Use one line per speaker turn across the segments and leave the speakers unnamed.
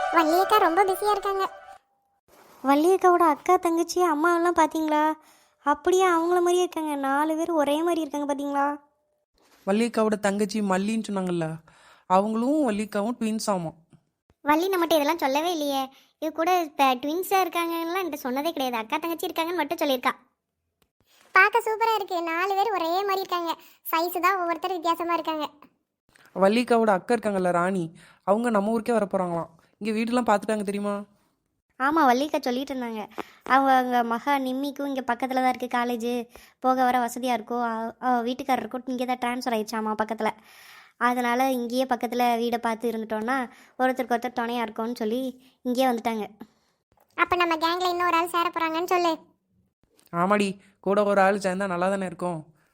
வள்ளியக்கா ரொம்ப பிஸியாக இருக்காங்க.
வள்ளியக்காவோட அக்கா தங்கச்சி அம்மாவெல்லாம் பார்த்தீங்களா? அப்படியே அவங்கள மாதிரியே இருக்காங்க. 4 பேர் ஒரே மாதிரி இருக்காங்க பார்த்தீங்களா?
வள்ளியக்காவோட தங்கச்சி மல்லின்னு சொன்னாங்கல்ல, அவங்களும் வள்ளியக்காவும் ட்வின்ஸ் ஆமாம்.
வள்ளி நம்மகிட்ட இதெல்லாம் சொல்லவே இல்லையே. இது கூட இப்போ ட்வின்ஸாக இருக்காங்கலாம் என்கிட்ட சொன்னதே கிடையாது. அக்கா தங்கச்சி இருக்காங்கன்னு மட்டும் சொல்லியிருக்கா. பார்க்க சூப்பராக இருக்குது. 4 பேர் ஒரே மாதிரி இருக்காங்க. சைஸு தான் ஒவ்வொருத்தர் வித்தியாசமாக இருக்காங்க.
வள்ளியக்காவோட அக்கா இருக்காங்கல்ல ராணி, அவங்க நம்ம ஊருக்கே வர போகிறாங்களாம். இங்கே வீடெல்லாம் பார்த்துட்டாங்க தெரியுமா?
ஆமாம், வள்ளியக்கா சொல்லிட்டு இருந்தாங்க. அவங்க மகா நிம்மிக்கும் இங்கே பக்கத்தில் தான் இருக்குது காலேஜு, போக வர வசதியாக இருக்கும். வீட்டுக்காரருக்கும் இங்கே தான் ட்ரான்ஸ்ஃபர் ஆயிடுச்சாமா பக்கத்தில். அதனால் இங்கேயே பக்கத்தில் வீடை பார்த்து இருந்துட்டோன்னா ஒருத்தருக்கு ஒருத்தர் துணையாக இருக்கும்னு சொல்லி இங்கேயே வந்துட்டாங்க.
அப்போ நம்ம கேங்கில் இன்னொரு ஆள் சேர போகிறாங்கன்னு சொல்லு.
ஆமாடி, கூட ஒரு ஆள் சேர்ந்தா நல்லா தானே இருக்கும்.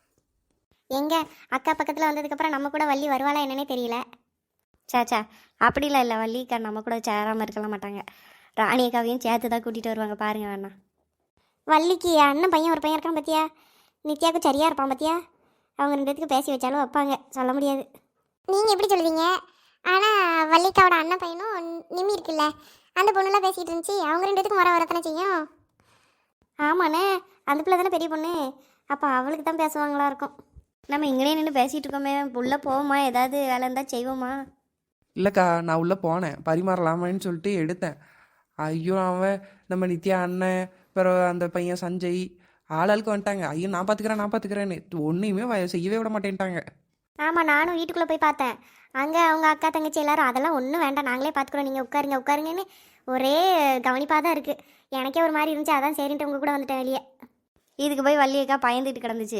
எங்கே அக்கா பக்கத்தில் வந்ததுக்கப்புறம் நம்ம கூட வள்ளி வருவாளா என்னன்னே தெரியல.
சேச்சா, அப்படிலாம் இல்லை. வள்ளியக்கா நம்ம கூட சேராமல் இருக்கலாம் மாட்டாங்க. ராணி அக்காவையும் சேர்த்து தான் கூட்டிகிட்டு வருவாங்க பாருங்க வேணா.
வள்ளிக்கு அண்ணன் பையன் ஒரு பையன் இருக்கான் பார்த்தியா? நித்யாவுக்கும் சரியாக இருப்பான் பார்த்தியா? அவங்க 2 பேத்துக்கு பேசி வச்சாலும் வைப்பாங்க, சொல்ல முடியாது. நீங்கள் எப்படி சொல்லுவீங்க? ஆனால் வள்ளிக்காவோட அண்ணன் பையனும் நிம்மி இருக்குல்ல, அந்த பொண்ணுலாம் பேசிகிட்டு இருந்துச்சு. அவங்க 2 பேத்துக்கும் வரத்தானே செய்யும்.
ஆமாண்ணே, அந்த பிள்ளை தானே பெரிய பொண்ணு. அப்போ அவளுக்கு தான் பேசுவாங்களா இருக்கும். நம்ம இங்கேயே நின்று பேசிகிட்டு இருக்கோமே, உள்ளே போவோமா? ஏதாவது வேலை இருந்தால் செய்வோமா?
இல்லைக்கா, நான் உள்ளே போனேன் பரிமாறலாமான்னு சொல்லிட்டு எடுத்தேன். ஐயோ, அவன் நம்ம நித்யா அண்ணன், பிறகு அந்த பையன் சஞ்சய் ஆளாளுக்கு வந்துட்டாங்க. ஐயோ நான் பார்த்துக்கிறேன்னு ஒன்றையுமே செய்யவே விட மாட்டேன்ட்டாங்க.
ஆமாம், நானும் வீட்டுக்குள்ளே போய் பார்த்தேன். அங்கே அவங்க அக்கா தங்கச்சி எல்லாரும் அதெல்லாம் ஒன்றும் வேண்டாம், நாங்களே பார்த்துக்குறோம், நீங்கள் உட்காருங்கன்னு ஒரே கவனிப்பாக தான் இருக்குது. எனக்கே ஒரு மாதிரி இருந்துச்சு, அதான் சரின்ட்டு உங்கள் கூட வந்துட்டேன் வெளியே.
இதுக்கு போய் வள்ளியக்கா பயந்துட்டு கிடந்துச்சு.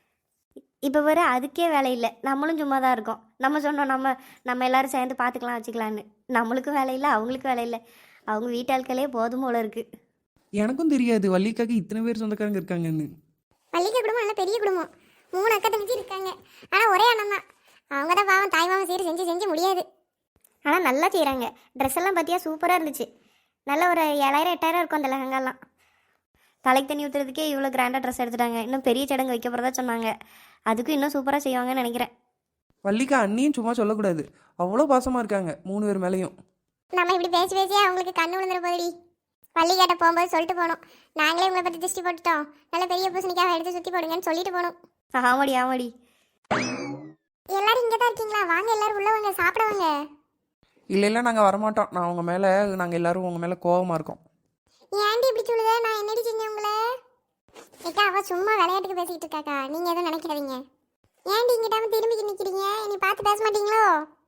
இப்போ வர அதுக்கே வேலை இல்லை. நம்மளும் சும்மா தான் இருக்கோம். நம்ம சொன்னோம் நம்ம எல்லோரும் சேர்ந்து பார்த்துக்கலாம் வச்சுக்கலான்னு. நம்மளுக்கும் வேலை இல்லை, அவங்களுக்கும் வேலை இல்லை. அவங்க வீட்டாட்களே போதும் போல இருக்குது.
எனக்கும் தெரியாது வள்ளிக்காக்கு இத்தனை பேர் சொந்தக்காரங்க இருக்காங்கன்னு.
வள்ளிக்கா குடும்பம் நல்ல பெரிய குடும்பம். 3 அக்கா தங்கச்சி இருக்காங்க. ஆனால் ஒரே அண்ணன் தான். அவங்க தான் பாவம் தாய் மாமன் சீர் செஞ்சு முடியாது.
ஆனால் நல்லா செய்கிறாங்க. ட்ரெஸ் எல்லாம் பார்த்தியா சூப்பராக இருந்துச்சு. நல்ல ஒரு 7000 8000 இருக்கும் அந்த லெஹங்காலாம். தலைக்கு தண்ணி ஊற்றுறதுக்கே இவ்வளோ கிராண்டாக ட்ரெஸ் எடுத்துட்டாங்க. இன்னும் பெரிய சடங்கு வைக்க போகிறதா சொன்னாங்க. அதுக்கும் இன்னும் சூப்பராக செய்வாங்கன்னு நினைக்கிறேன்.
வள்ளிக்கா அண்ணியும் சும்மா சொல்லக்கூடாது, அவ்வளோ பாசமாக இருக்காங்க 3 பேர் மேலேயும்.
நம்ம இப்படி பேசியே அவங்களுக்கு கண்ணு விழுந்துற போதுடி. வள்ளிக்காட்ட போகும்போது சொல்லிட்டு போகணும், நாங்களே உங்களை பற்றி திருஷ்டி போட்டுட்டோம், நல்ல பெரிய பூசணிக்காக எடுத்து சுற்றி போடுங்கன்னு சொல்லிட்டு போகணும்.
ஆமாடி.
எல்லாரும் இங்கே தான் இருக்கீங்களா? வாங்க எல்லாரும் உள்ள வாங்க, சாப்பிடுவாங்க.
இல்லை நாங்கள் வரமாட்டோம். நான் உங்கள் மேலே, நாங்கள் எல்லோரும் உங்கள் மேலே கோபமாக இருக்கோம்.
ஏன்டி இப்படி சொல்லுத? நான் என்னடி செஞ்சேன் உங்களை? ஏக்கா அவள் சும்மா விளையாட்டுக்கு பேசிக்கிட்டு இருக்காக்கா, நீங்கள் எதுவும் நினைக்காதீங்க. ஏன்டி இங்கிட்டாம திரும்பி நிற்கிறீங்க? நீ பார்த்து பேச மாட்டீங்களோ?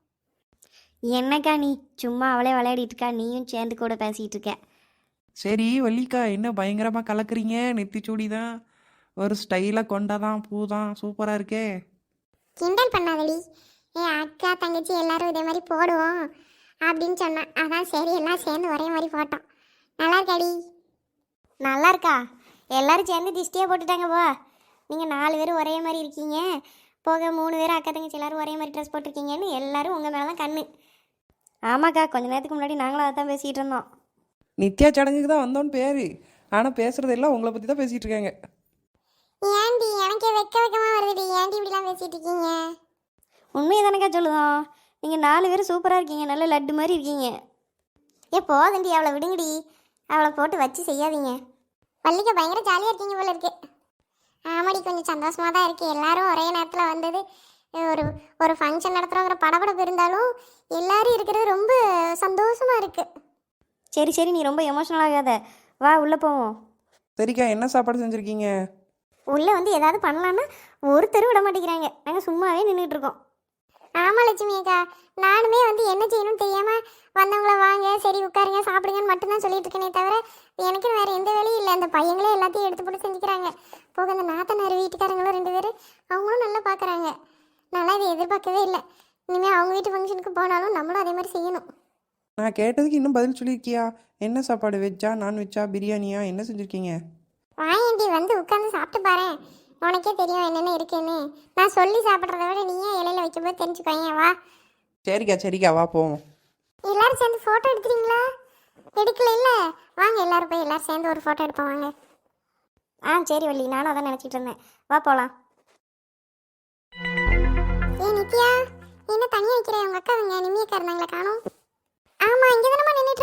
என்னக்கா நீ சும்மா அவளே விளையாடிட்டு இருக்கா, நீயும் சேர்ந்து கூட பேசிகிட்டு இருக்க.
சரி வள்ளிக்கா, என்ன பயங்கரமாக கலக்குறீங்க? நெத்திச்சூடி தான், ஒரு ஸ்டைலாக கொண்டாதான், பூ தான், சூப்பராக இருக்கே.
கிண்டல் பண்ணாதடி. அக்கா தங்கச்சி எல்லாரும் இதே மாதிரி போடுவோம் அப்படின்னு சொன்னேன். அதான் சரி எல்லாம் சேர்ந்து ஒரே மாதிரி போட்டோம். நல்லா இருக்காடி?
நல்லா இருக்கா? எல்லாரும் சேர்ந்து திஷ்டியாக போட்டுட்டாங்க போ. நீங்கள் 4 பேரும் ஒரே மாதிரி இருக்கீங்க, போக 3 பேரும் அக்கா தங்கச்சி எல்லாரும் ஒரே மாதிரி ட்ரெஸ் போட்டிருக்கீங்கன்னு எல்லாரும் உங்கள் மேலே தான் கண்ணு. ஆமாக்கா, கொஞ்ச நேரத்துக்கு முன்னாடி நாங்களும் அதை தான் பேசிகிட்டு இருந்தோம்.
நித்யா சடங்குக்கு தான் வந்தோன்னு பேர், ஆனால் பேசுகிறது எல்லாம் உங்களை பற்றி தான் பேசிகிட்டு இருக்காங்க.
ஏன்டி எனக்கே வெக்கமா வருதுடி. ஏன்டி இப்படிலாம் பேசிட்டு இருக்கீங்க?
உண்மையை தானேக்கா சொல்லுதோம். நீங்கள் 4 பேரும் சூப்பராக இருக்கீங்க, நல்ல லட்டு மாதிரி இருக்கீங்க.
போதண்டி, அவளை விடுங்கடி. அவளை போட்டு வச்சு செய்யாதீங்க. வள்ளிக்க பயங்கர ஜாலியாக இருக்கீங்க போல இருக்கு. ஆமாடி, கொஞ்சம் சந்தோஷமாக தான் இருக்குது. எல்லாரும் ஒரே நேரத்தில் வந்தது. ஒரு ஃபங்க்ஷன் நடத்துகிறோங்கிற படபடப்பு இருந்தாலும் எல்லாரும் இருக்கிறது ரொம்ப சந்தோஷமாக இருக்குது.
சரி நீ ரொம்ப எமோஷனல் ஆகாத, வா உள்ளே போவோம்.
சரிக்கா, என்ன சாப்பாடு செஞ்சுருக்கீங்க?
உள்ளே வந்து ஏதாவது பண்ணலான்னா ஒருத்தரும் விட மாட்டேங்கிறாங்க. நாங்கள் சும்மாவே நின்றுட்டு இருக்கோம்.
ஆமாம் லட்சுமி அக்கா, நானுமே வந்து என்ன செய்யணும்னு தெரியாமல் வந்தவங்கள வாங்க சரி உட்காருங்க சாப்பிடுங்கன்னு மட்டும்தான் சொல்லிட்டு இருக்கேனே தவிர எனக்கு வேறு எந்த வேலையும் இல்லை. அந்த பையங்களே எல்லாத்தையும் எடுத்து போட்டு செஞ்சுக்கிறாங்க. போக அந்த நாத்தனார் வீட்டுக்காரங்களும் 2 பேர், அவங்களும் நல்லா பார்க்குறாங்க. நல்லா இதை எதிர்பார்க்கவே இல்லை. இனிமேல் அவங்க வீட்டு ஃபங்க்ஷனுக்கு போனாலும் நம்மளும் அதே மாதிரி செய்யணும்.
நான் கேட்டதுக்கு இன்னும் பதில் சொல்லியிருக்கியா? என்ன சாப்பாடு, வெஜ்ஜா நான்வெஜ்ஜா பிரியாணியா, என்ன செஞ்சுருக்கீங்க?
வாயண்டி, வந்து உட்காந்து சாப்பிட்டு பாரு, உனக்கே தெரியும் என்னென்ன இருக்குன்னு. நான் சொல்லி சாப்பிட்றத விட நீயே இலையில வைக்கும்போது தெரிஞ்சுக்கோங்க. வா.
சரிக்கா வா போவோம்.
எல்லாரும் சேர்ந்து ஃபோட்டோ எடுக்கிறீங்களா? எடுக்கல இல்லை, வாங்க எல்லாரும் போய் எல்லாரும் சேர்ந்து ஒரு ஃபோட்டோ எடுப்போம் வாங்க.
சரி வள்ளி, நானும் அதான் நினச்சிட்டு இருந்தேன். வா போகலாம்.
நித்யா, என்ன தனியாக வைக்கிற? உங்கள் அக்கா அவங்க நிம்மியக்கா இருந்தாங்களே காணும். ஆமாம், இங்கே தானே நின்றுட்டு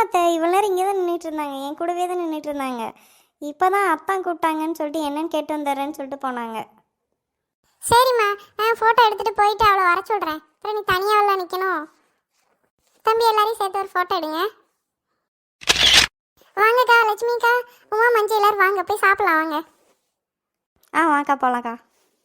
அத்தை இவ்வளோ நேரம் இங்கே தான் நின்றுட்டு இருந்தாங்க, என் கூடவே தான் நின்றுட்டு இருந்தாங்க. இப்போ தான் அத்தான் கூப்பிட்டாங்கன்னு சொல்லிட்டு என்னன்னு கேட்டு வந்துடுறேன்னு சொல்லிட்டு போனாங்க.
சரிம்மா, நான் ஃபோட்டோ எடுத்துகிட்டு போயிட்டு அவளை வர சொல்கிறேன். அப்புறம் நீ தனியாக நிற்கணும். தம்பி எல்லாரையும் சேர்த்து ஒரு ஃபோட்டோ எடுங்க. வாங்கக்கா, லட்சுமிக்கா, உமா, மஞ்சள் எல்லாரும் வாங்க, போய் சாப்பிடலாம் வாங்க.
வாக்கா போகலாக்கா.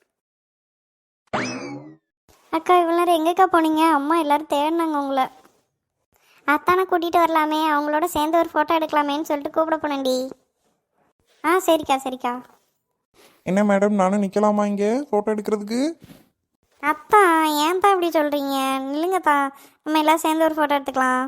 அக்கா இவ்வளோ நேரம் எங்கேக்கா போனீங்க? அம்மா எல்லோரும் தேடினாங்க உங்களை. அத்தானை கூட்டிகிட்டு வரலாமே, அவங்களோட சேர்ந்து ஒரு ஃபோட்டோ எடுக்கலாமேன்னு சொல்லிட்டு கூப்பிட போனேன்டி. சரிக்கா சரிக்கா.
என்ன மேடம், நானும் நிற்கலாமா இங்கே ஃபோட்டோ எடுக்கிறதுக்கு?
அத்தா ஏன் தான் இப்படி சொல்கிறீங்க? நில்லுங்கத்தா, நம்ம எல்லாம் சேர்ந்து ஒரு ஃபோட்டோ எடுத்துக்கலாம்.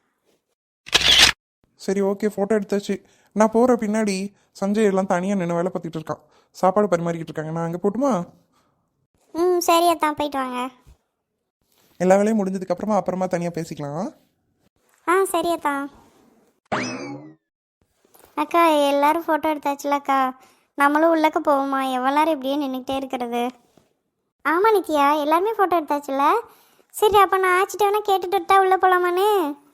சரி ஓகே, ஃபோட்டோ எடுத்தாச்சு. நான் போகிற பின்னாடி சஞ்சய் எல்லாம் தனியாக நின்று வேலை பார்த்துட்டு இருக்கான். சாப்பாடு பரிமாறிக்கிட்டு இருக்காங்க. நான் அங்கே போட்டுமா?
சரி அத்தா, போயிட்டு வாங்க.
எல்லா வேலையும் முடிஞ்சதுக்கப்புறமா அப்புறமா தனியாக பேசிக்கலாம்.
சரி அத்தா. அக்கா எல்லாரும் ஃபோட்டோ எடுத்தாச்சுல அக்கா, நம்மளும் உள்ளக்க போவோமா? எவ்வளோ நேரம் இப்படியே நின்றுக்கிட்டே இருக்கிறது? ஆமாம் நித்யா, எல்லாருமே ஃபோட்டோ எடுத்தாச்சுல. சரி அப்போ நான் ஆச்சிட்டு வேணா கேட்டுட்டு விட்டா உள்ளே போகலாமான்னு?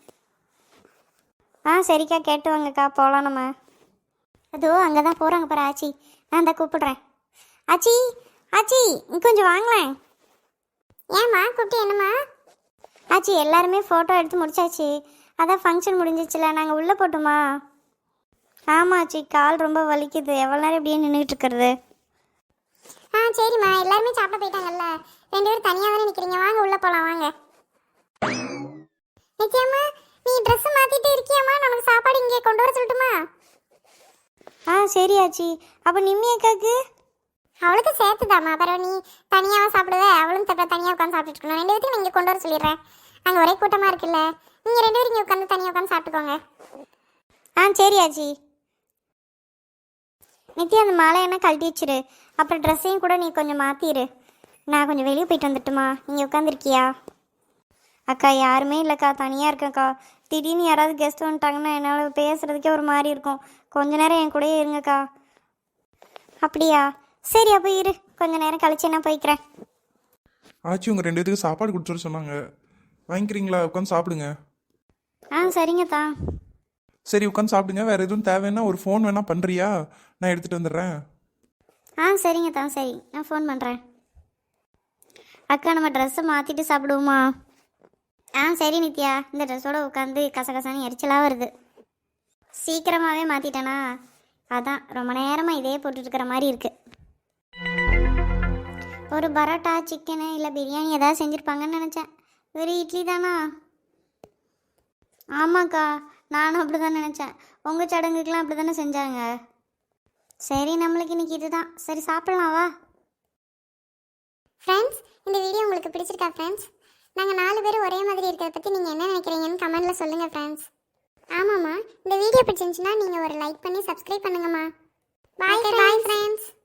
சரிக்கா, கேட்டு வாங்கக்கா, போகலாம் நம்ம. அதோ அங்கே தான் போகிறாங்க பாரு ஆச்சி. நான் தான் கூப்பிடுறேன். ஆச்சி ஆச்சி, கொஞ்சம் வாங்களேன்.
ஏம்மா கூப்பிட்டு என்னம்மா?
ஆச்சி எல்லாருமே ஃபோட்டோ எடுத்து முடிச்சாச்சு. அதான் ஃபங்க்ஷன் முடிஞ்சிச்சுல, நாங்கள் உள்ளே போட்டுமா? ஆமாம் ஆச்சி, கால் ரொம்ப வலிக்குது, எவ்வளோ நேரம் இப்படியே நின்றுட்டு இருக்கிறது.
சரிம்மா, எல்லாருமே சாப்பிட போயிட்டாங்கல்ல, 2 பேரும் தனியாக தானே நிற்கிறீங்க, வாங்க உள்ளே போகலாம் வாங்க. நித்யாம்மா, நீ ட்ரெஸ் மாற்றிட்டு இருக்கியாம்மா? நமக்கு சாப்பாடு இங்கே கொண்டு வர சொல்லட்டுமா?
சரி ஆச்சி. அப்போ நிம்மி அக்காக்கு?
அவளுக்கு சேர்த்துதாம்மா. அப்புறம் நீ தனியாக சாப்பிடுவ, அவளும் தனியாக உட்காந்து சாப்பிட்டுட்டு இருக்கணும். 2 பேர்த்தையும் இங்கே கொண்டு வர சொல்லிடுறேன். அங்கே ஒரே கூட்டமாக இருக்குல்ல, நீங்கள் 2 பேரும் இங்கே உட்காந்து தனியாக உட்காந்து சாப்பிட்டுக்கோங்க.
சரி ஆச்சி. நித்யா அந்த மாலை என்ன கழட்டி வச்சிரு, அப்புறம் ட்ரெஸ்ஸையும் கூட நீ கொஞ்சம் மாற்றிடு. நான் கொஞ்சம் வெளியே போயிட்டு வந்துட்டுமா? இங்கே உட்காந்துருக்கியா? அக்கா யாருமே இல்லைக்கா, தனியாக இருக்கேன்க்கா. திடீர்னு யாராவது கெஸ்ட் வந்துட்டாங்கன்னா என்னால் பேசுகிறதுக்கே ஒரு மாதிரி இருக்கும். கொஞ்ச நேரம் என் கூடயே இருங்கக்கா. அப்படியா? சரி அப்போ இரு, கொஞ்ச நேரம் கழிச்சு நான் போய்க்கிறேன்.
ஆச்சி உங்கள் 2 பேத்துக்கு சாப்பாடு கொடுத்துட்டு சொன்னாங்க, வாங்கிக்கிறீங்களா? உட்காந்து சாப்பிடுங்க.
சரிங்கத்தா.
சரி உட்காந்து சாப்பிடுங்க. வேறு எதுவும் தேவைன்னா ஒரு ஃபோன் வேணால் பண்ணுறியா? நான் எடுத்துகிட்டு வந்துடுறேன்.
சரிங்கத்தா, சரி நான் ஃபோன் பண்ணுறேன். அக்கா நம்ம ட்ரெஸ்ஸை மாற்றிட்டு சாப்பிடுவோமா? சரி நித்யா, இந்த ட்ரெஸ்ஸோடு உட்காந்து கசகசான்னு எரிச்சலாக வருது. சீக்கிரமாகவே மாற்றிட்டேனா, அதான் ரொம்ப நேரமாக இதே போட்டுருக்கிற மாதிரி இருக்குது. ஒரு பரோட்டா, சிக்கனு இல்லை பிரியாணி ஏதாவது செஞ்சுருப்பாங்கன்னு நினச்சேன். வெறும் இட்லி தானா? ஆமாக்கா, நானும் அப்படி தான் நினச்சேன். உங்கள் சடங்குக்கெலாம் அப்படி தானே செஞ்சாங்க. சரி நம்மளுக்கு இன்றைக்கி இதுதான். சரி சாப்பிட்லாம் வா.
ஃப்ரெண்ட்ஸ், இந்த வீடியோ உங்களுக்கு பிடிச்சிருக்கா ஃப்ரெண்ட்ஸ்? நாங்கள் 4 பேரும் ஒரே மாதிரி இருக்கிறத பற்றி நீங்கள் என்ன நினைக்கிறீங்கன்னு கமெண்ட்டில் சொல்லுங்கள் ஃப்ரெண்ட்ஸ். ஆமாம்மா, இந்த வீடியோ பிடிச்சிருந்துச்சுன்னா நீங்கள் ஒரு லைக் பண்ணி சப்ஸ்கிரைப் பண்ணுங்கம்மா. Bye friends.